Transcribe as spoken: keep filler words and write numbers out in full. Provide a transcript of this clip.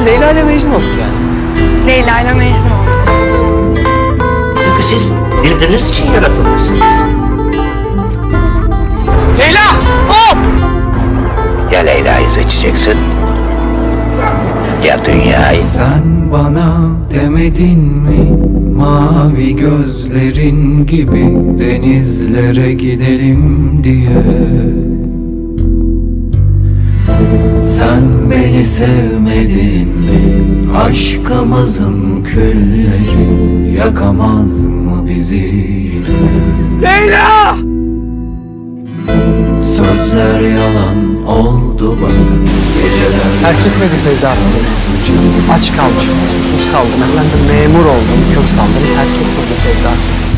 Leyla ile Mecnun olduk yani. Leyla ile Mecnun olduk. Çünkü siz birbiriniz için yaratılmışsınız. Leyla! Hop! Ya Leyla'yı seçeceksin ya dünyayı. Sen bana demedin mi mavi gözlerin gibi denizlere gidelim diye? Sen beni sevmedin mi? Aşkımızın külleri yakamaz mı bizi yine? Leyla! Sözler yalan oldu bak geceler. Terk etmedi sevdası beni. Aç kalmışım, susuz kaldım. Efendim memur oldum, kör saldım. Terk etmedi sevdası.